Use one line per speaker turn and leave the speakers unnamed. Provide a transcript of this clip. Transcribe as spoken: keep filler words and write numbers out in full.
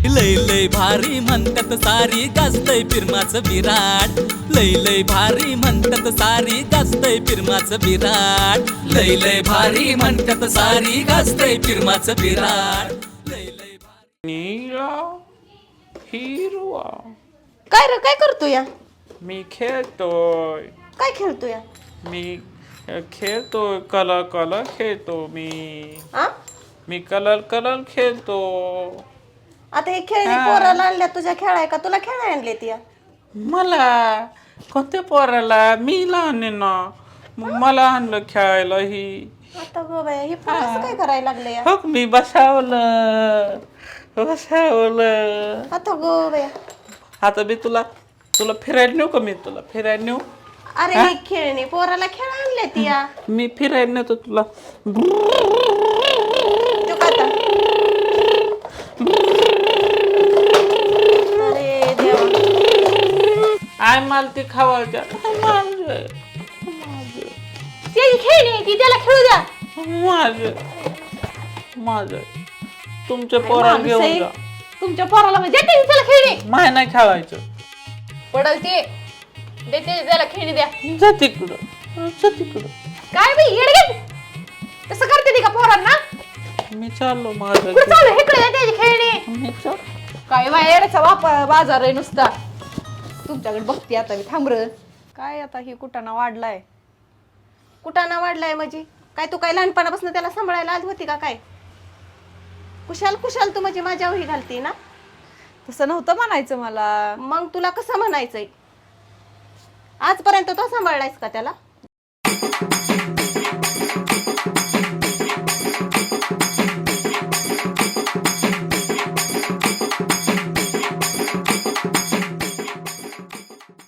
लय लय भारी म्हणतात सारी गाजतय फिरमाचं विराट लय लय भारी म्हणतात सारी गाजतय फिरमाचं विराट लय लय भारी म्हणतात सारी गाजतय फिरमाचं विराट लय लय भारी
नीला हिरवा
काय रे काय करतो या
मी खेळतोय
काय खेळतो या
मी खेळतोय कलर कलर खेळतो मी
आ
मी कलर कलर खेळतो
आता हे खेळणी पोराला आणल्या तुझ्या खेळाय का तुला खेळाय आणले ती
मला कोणत्या पोराला मी लहान आहे ना मग मला आणलं खेळायला ही
आता गो बाया हे पोर असं काय करायला लागलं या
हो मी बसावलं बसावलं
आता गो बाया
आता मी तुला तुला फिरायला नेऊ का मी तुला फिरायला नेऊ
अरे ही खेळणी पोराला खेळ आणले ती या
मी फिरायला नेतो तुला
तो का आता अरे देवा
आय मला ती खावायच्या
ती खेळणी ती त्याला खेळू द्या
माझ माझ तुमच्या पोराला घेऊन जा
तुमच्या पोराला म्हणजे देते त्याला खेळणी
माय नाही खेळायचं
पडल ते देते त्याला खेळणी द्या
जा तिकडं जा तिकडं
काय बाई येडगे तसं करते ती का पोरांना
मी चाललो माझं
कुठं चालू इकडे त्याची खेळणी
मी चाल
काय बाहेरचा वापर बाजार आहे नुसता तुमच्याकडे बघते आता मी थांबर काय आता ही कुटाणा वाढलाय कुटाणा वाढलाय म्हणजे काय तू काय लहानपणापासून त्याला सांभाळायला आली होती का काय कुशाल कुशाल तू म्हणजे माझ्या वही घालती ना
तसं नव्हतं म्हणायचं मला
मग तुला कसं म्हणायचंय आजपर्यंत तो सांभाळलायस का त्याला